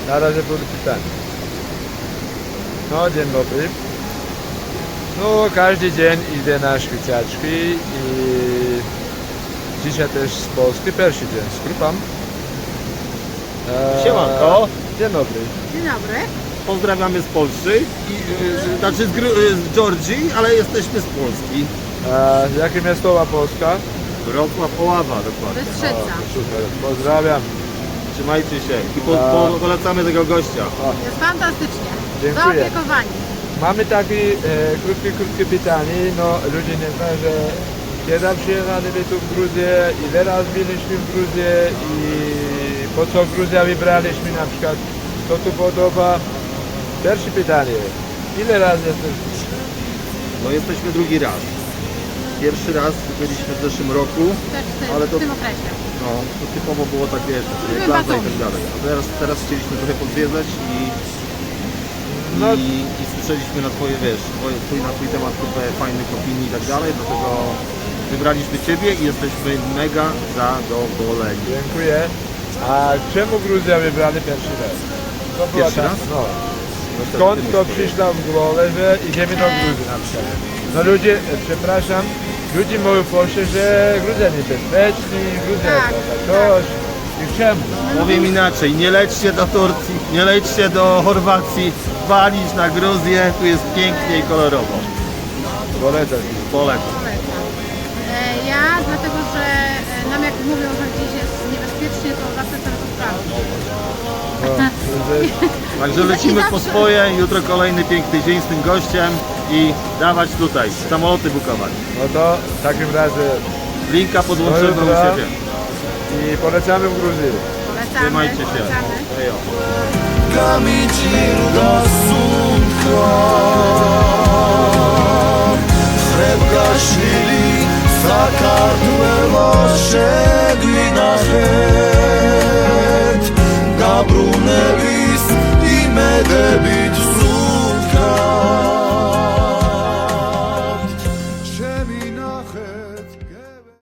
Na razie były pytania. No, dzień dobry. No, każdy dzień idę na szwicjaczki i dzisiaj też z Polski, pierwszy dzień skrupam. Siemanko, Dzień dobry. Dzień dobry. pozdrawiamy z Polski, znaczy z Georgii, ale jesteśmy z Polski. Jakie miastowa Polska? Wrocław, Oława dokładnie. Bystrzyca. Super, pozdrawiam. Trzymajcie się i polecamy tego gościa. Jest fantastycznie. Dziękuję. Zaopiekowani. Mamy takie krótkie pytanie. No, ludzie nie znają, że kiedy przyjechaliśmy tu w Gruzję, ile razy byliśmy w Gruzję i po co Gruzję wybraliśmy na przykład, co tu podoba. Pierwsze pytanie, ile razy jesteśmy? No jesteśmy drugi raz. Pierwszy raz byliśmy w zeszłym roku, ale W to, tym okresie. no, to typowo było tak, wiesz, Były plaza i batony. tak dalej. A teraz chcieliśmy trochę podwiedzać No. i słyszeliśmy na twoje, wiesz, na twój temat kupę fajnych opinii i tak dalej, dlatego wybraliśmy Ciebie i jesteśmy mega zadowoleni. Dziękuję. A czemu Gruzja wybrali pierwszy raz? To była Pierwszy ta- raz? No. No to Skąd ty to mów przyszło w głowę, że idziemy do Gruzji na przykład? No ludzie, przepraszam, ludzie mówią w Polsce, że Gruzja niebezpieczna, Gruzja Tak, jest coś. I czemu? Powiem inaczej, nie lećcie do Turcji, nie lećcie do Chorwacji, walić na Gruzję, tu jest pięknie i kolorowo. Polecam. Polecam. Polecam. Ja dlatego, że nam jak mówią, że gdzieś jest niebezpiecznie, to zawsze chcę to sprawdzić. No, Także I lecimy po zawsze- swoje, jutro kolejny piękny dzień z tym gościem i dawać tutaj, samoloty bukować. no to w takim razie Linka podłączymy u Dobra. siebie. i polecamy w Gruzji. Polecamy. Trzymajcie się. Polecamy. Ejo. Камичи до сунко